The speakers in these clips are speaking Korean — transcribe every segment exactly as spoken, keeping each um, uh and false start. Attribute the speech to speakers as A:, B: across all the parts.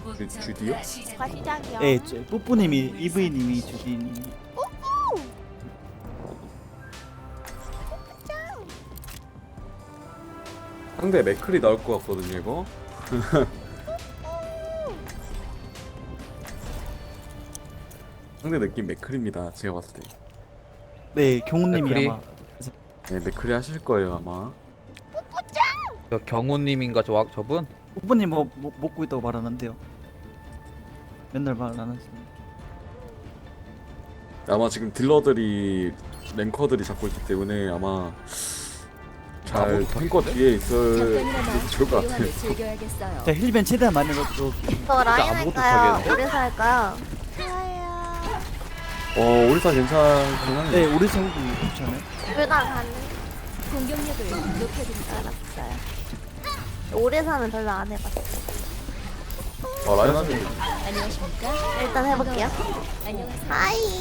A: 주, 주디요?
B: 과시장이요.
C: 예, 저 뿌뿌님이 이브이님이 주디님이.
A: 상대 맥클이 나올 것 같거든요 이거. 상대 느낌 맥클입니다 제가 봤을 때.
C: 네, 경훈님이
D: 맥크리?
C: 아마.
A: 네 맥클이 하실 거예요 아마.
D: 저 경호님인가 저 와- 저분?
C: 뿌뿌님 뭐, 뭐 먹고 있다고 말하는데요. 맨날 말 안 하시는.
A: 아마 지금 딜러들이 랭커들이 잡고 있기 때문에 아마 잘
D: 아무도
A: 탱커 뒤에 있을
E: 잠깐이나마
A: 좋을 것 같아요.
E: 대화를 즐겨야겠어요.
C: 자, 힐벤 최대한 많이 넣고.
B: 저 라인
D: 아무것도
B: 할까요?
D: 못하겠네.
B: 오래서 할까요?
A: 어 오리사 괜찮긴 하네.
C: 네, 오리 세우고 괜찮아요.
B: 둘 다 가는.
E: 공격력을 높여드리자.
B: 알았어요. 오래사는 별로 안 해봤어.
A: 어 라인 하면
E: 안녕하십니까?
B: 일단 해볼게요.
E: 안녕하세요.
B: 하이.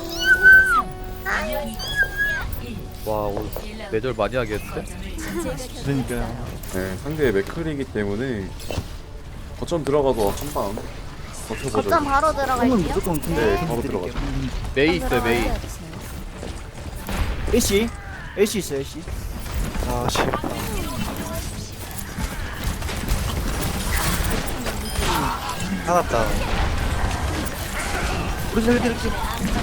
B: 하이.
D: 와 오늘 매절 많이 하겠는데?
C: 그러니까요.
A: 네 상대 맥클이기 때문에 거점 들어가도 한방 버텨보죠.
B: 거점 바로
C: 홈은
B: 들어갈게요.
C: 무조건 근데
A: 네, 바로 들어가죠.
D: 메이 있어요 메이.
C: 애쉬, 애쉬 있어요, 애쉬.
F: 아, 씨. 살았다.
C: 우리 잘 드릴게.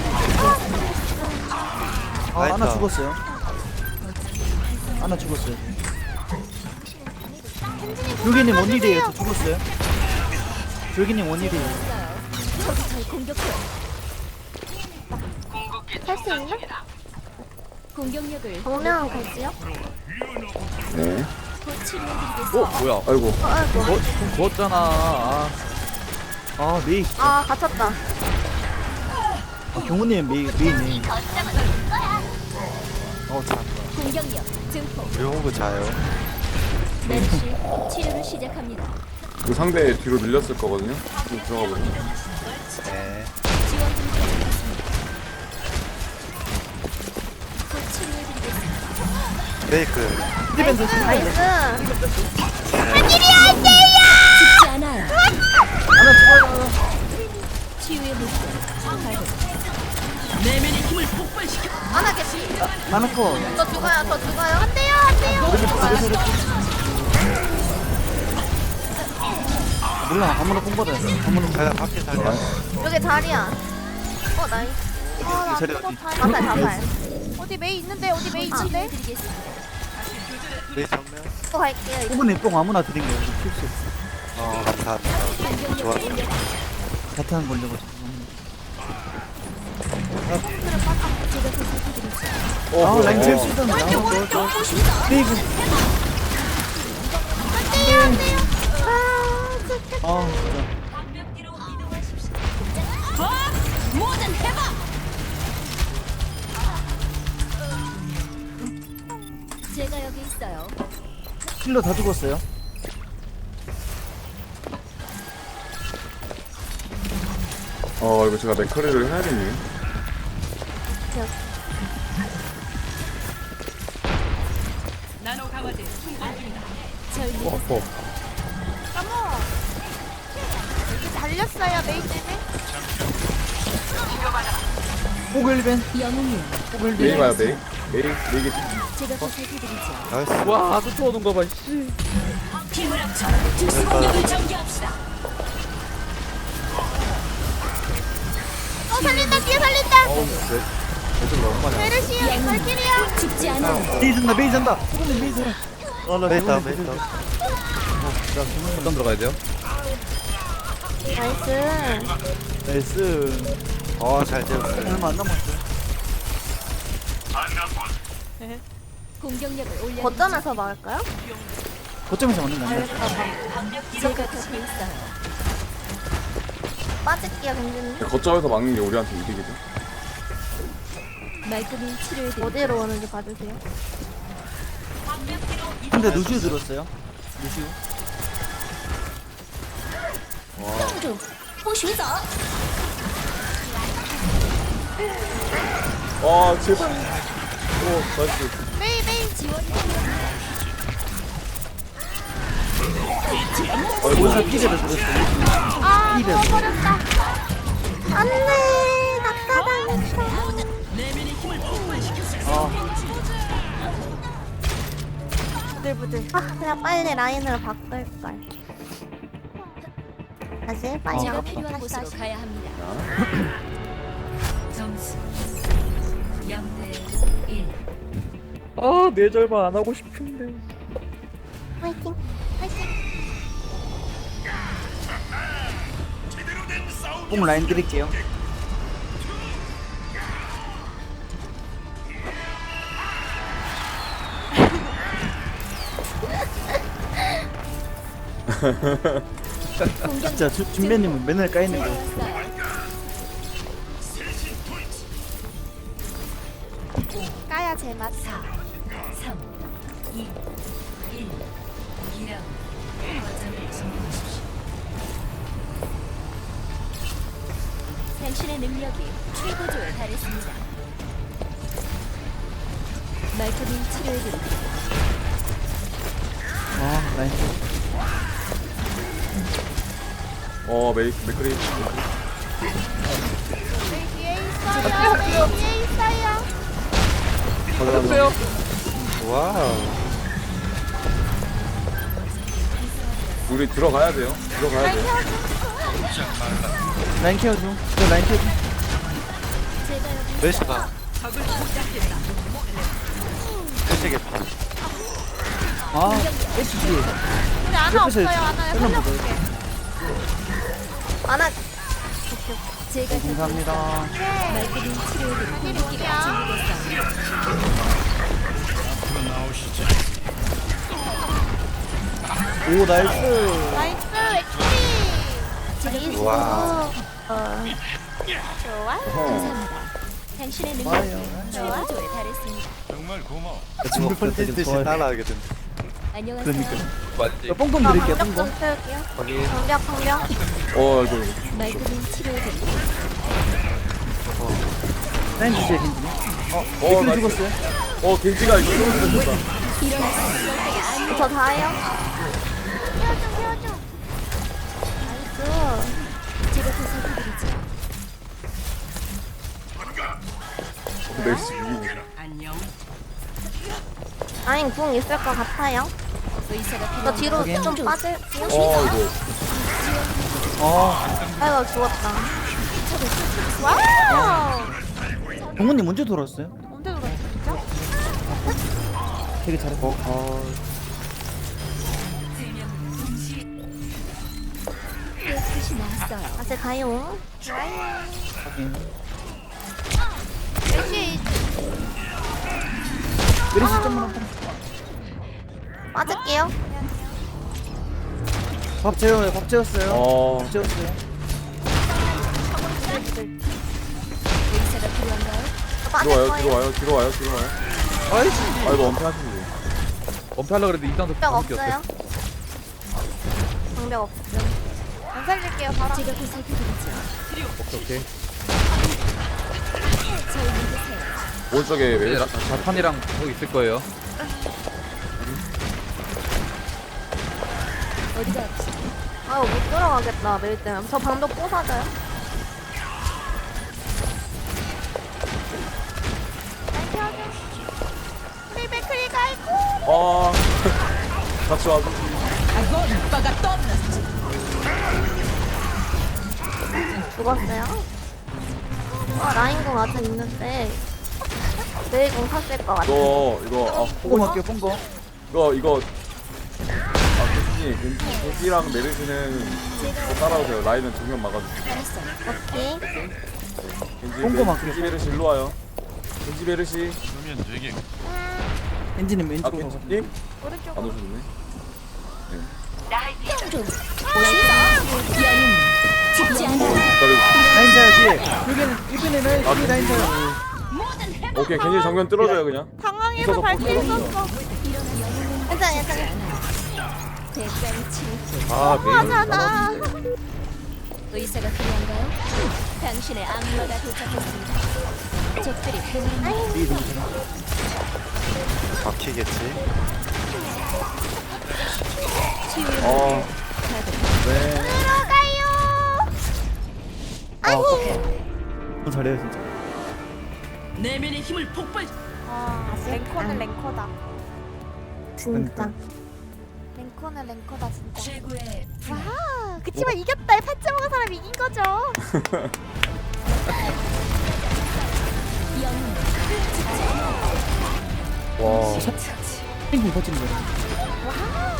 C: 아, 하나
F: 나이스.
C: 죽었어요. 하나 죽었어요. 줄기님 원일이에요. 저 죽었어요. 줄기님 원일이에요.
E: 잘 공격해.
B: 할 수 있나?
E: 공격력을
B: 정면 갈지요?
A: 네.
E: 곧 치료해드리겠습니다.
D: 어 뭐야?
A: 아이고
B: 어, 아이고.
D: 어, 좀 구웠잖아. 아,
C: 아, 메이.
B: 아, 갇혔다.
C: 아, 경훈님 메이, 메이네.
F: 어, 자.
E: 공격력 증폭.
F: 우리 호구 자요.
E: 메르시 치료를 시작합니다.
A: 그 상대 뒤로 밀렸을 거거든요. 좀 들어가 보죠.
F: 네.
E: 지원 좀 부탁드리겠습니다. 곧 치료해드리겠습니다.
F: 브레이크.
C: 힐벤 대신
B: 나이스.
E: 죽지 않아요.
C: 하나 죽어요.
E: 치유의 물결. 발동.
B: 하나 개피.
C: 하나 컷.
B: 저 죽어요, 저 죽어요. 안 돼요, 안 돼요.
C: 몰라, 아무나 뽕 받아요. 아무나
F: 살려, 밖에 살려.
B: 여기 자리야. 어, 나이스. 아, 나
F: 자리
B: 죽었다.
F: 어디?
B: 자살, 자살. 어디 메이 있는데, 어디 메이 있는데?
E: 치료해드리겠습니다.
F: 브레이크 정면.
B: 또 갈게요. 이제.
C: 뽕분이 뽕 아무나 드린 거예요. 필수.
F: 어, 감사합니다.
E: 공격력
F: 좋아.
E: 올려.
C: 자탄 걸려가지고.
E: 제가 보살펴드리죠.
C: 아, 라인 제일
A: 어.
C: 쓰던 거. 메이그. 아, 진짜.
E: 제가 여기 있어요.
C: 킬러 다 죽었어요.
A: 어 이거 제가 맥클이를 해야겠네요.
E: 절 믿으세요.
D: 어,
B: 어머. 여기 달렸어요, 메이 때문에.
C: 포그 힐벤.
E: 영웅님,
C: 포그
A: 메이
C: 힐벤.
A: 봐요 메이. 메이 메이.
E: 제가 보살펴드리죠.
F: 나이스.
D: 와 쫓아오는 거 봐. 씨.
B: 어, 살린다, 뒤에 살린다.
F: 애들 너무 많이 왔어.
B: 메르시야, 발키리야.
E: 죽지 않아요.
C: 메이 잔다, 메이 잔다. 포그님 메이 잔다. 아, 나
F: 메이다,
C: 경훈님
F: 메이다.
D: 어떤 들어가야 돼요?
B: 나이스.
C: 나이스.
F: 어, 잘 되었어요.
C: 얼마 안 남았어요.
E: 공격력을 올려.
B: 거점에서 막을까요?
C: 거점에서 맞는 거 아니야?
E: 제가 곁에 있어요.
B: 빠질게요, 경진님.
A: 거점에서 막는 게 우리한테 이득이죠.
E: 말끔히 치료해드리죠.
B: 어디로 오는지 봐주세요.
C: 근데 루시우 들었어요. 루시우.
A: 아 제발. 오 나이스.
B: 메이, 메이.
E: 지원
C: 오사 피드를 들었어요.
B: 아
C: 이래.
B: 죽어버렸다. 안돼 낙사당했어.
C: 아,
B: 부들부들. 아 그냥 빨리 라인으로 바꿀 걸. 다시 빨리.
E: 제가
C: 아,
E: 필요한
B: 다시
E: 곳으로
B: 다시.
E: 가야 합니다. 점수 영 대 일.
D: 아 뇌절만 안 하고 싶은데.
B: 화이팅. 화이팅.
C: 뽕 라인 드릴게요. 진짜 주- 준비님은 맨날 까이는 거.
B: 까야 제맛.
E: 사, 삼, 이, 일. 이 라운드. 거점을 점령하십시오. 당신의 능력이 최고조에 달했습니다. 말끔히 치료해드립니다.
C: 아, 라인.
A: 어 메이 메크리.
B: 내 뒤에 있어요. 내 뒤에 있어요.
A: 가져가세요.
F: 와우.
A: 우리 들어가야 돼요. 들어가야 돼요.
C: 라인 케어 중. 저 라인 케어 중.
E: 제가 여기
F: 멜시가. 멜시게 봐.
C: 아, 에이치 뒤에.
B: 우리 아나
C: 옆에서
B: 없어요. 아나
C: 설명
B: 살려볼게. 아나.
E: 제가 곁에
C: 감사합니다.
E: 말끔히 치료해드립니다.
B: 누구야?
C: 오, 나이스.
B: 나이스 엑스리.
E: 제가
F: 와.
B: 어. 좋아.
A: 어허.
E: 감사합니다. 당신의
C: 좋아요.
E: 능력이 최고조에 달했습니다.
F: 친구 펀치듯이 따라하게 된다.
E: 안녕하세요.
C: 그러니까.
D: 맞지?
C: 저 뽕뽕
B: 나
C: 드릴게요,
B: 방벽
C: 뽕뽕.
B: 좀 채울게요.
F: 확인.
B: 방벽 방벽.
A: 어 이거
E: 말끔히 치료해드립니다.
C: 라인 주세요, 겐지님.
A: 어
C: 겐지
A: 나
C: 죽었어요.
A: 어 겐지가 이거 죽었다.
E: 일어나세요.
B: 저 다예요. 케어줘 케어줘. 나이스.
E: 제가 보살펴드리죠.
A: 메시 미국.
B: 라인 궁 있을 것 같아요.
E: 의사가
B: 저
E: 필요한
B: 뒤로
C: 확인.
B: 좀 빠질게요.
A: 어 이거
C: 어,
B: 아이고 죽었다. 와우.
C: 동훈님 언제 돌아왔어요?
B: 언제 돌았어 진짜?
C: 되게 잘했고.
F: 어,
E: 끝이 나왔어요.
B: 다시 가요.
C: 확인.
B: 역시
C: 메리시 점만 한 번.
B: 빠질게요.
C: 밥 재워요, 밥 재웠어요.
A: 어
C: 밥 재웠어요.
E: 의사가 필요한가요?
B: 저 빠질
A: 들어와요
B: 거예요.
A: 들어와요 들어와요 들어와요.
D: 아이씨.
A: 아 이거 엄폐하시면 돼요.
D: 원패하려고 그랬는데 이상도
B: 방벽 없어요. 방벽 없음. 안 살릴게요. 바로.
E: 제가 보살펴드리죠.
D: 오케이 오케이.
E: 저희 믿으세요.
A: 오른쪽에
D: 이제
A: 메시.
D: 라- 자탄이랑 뭐 있을 거예요.
E: 어디가 아프세요?
B: 아유 못 들어가겠다. 매일 때문에. 저 방벽 부서져요. 우리 맥크리가 아이고.
A: 아 같이 와서.
B: 죽었어요? 아 라인공 아직 있는데 내일공 탔을 것 같아.
A: 이거 이거 아
C: 뽕
A: 호구
C: 할게요, 뽕거.
A: 이거 이거 아 겐지 겐지 겐지랑 메르시는 또 따라오세요. 라인은 정면 막아주세요.
E: 알았어요.
B: 오케이.
A: 겐지
C: 홍보
A: 메-
C: 막게.
A: 겐지 메르시 일로 와요. 겐지 메르시.
C: 겐지님
A: 아
C: 왼쪽으로 가서.
A: 겐지님 안
B: 오른쪽으로.
A: 오셨네.
E: 죽지 않아.
A: 기다려.
C: 라인 자야 뒤에. 여기는 이번에 라인
A: 아
C: 뒤에 라인 자야.
A: 겐지. 오케이 겐지 정면 뚫어줘요 그냥.
B: 당황해서
A: 있어서
B: 발길
A: 뽕
B: 썼어. 괜찮아 괜찮아.
E: 대가를 치르게.
D: 아 메인.
B: 하잖아.
E: 의사가 필요한가요? 당신의 악마가 도착했습니다. 적들이 보는
C: 뒤에 동시랑.
F: 막히겠지.
E: 치유의
A: 어,
E: 물을
A: 네.
B: 들어가요.
C: 아 아깝다. 너무 잘해요 진짜.
B: 아, 랭커는 랭커다.
C: 진짜.
B: 랭커는 랭커다 진짜.
E: 최고의
B: 와, 그치만 이겼다. 파츠 먹은 사람 이긴 거죠.
E: 영웅
D: 와
C: 핑퐁 터지는 거야.
B: 와,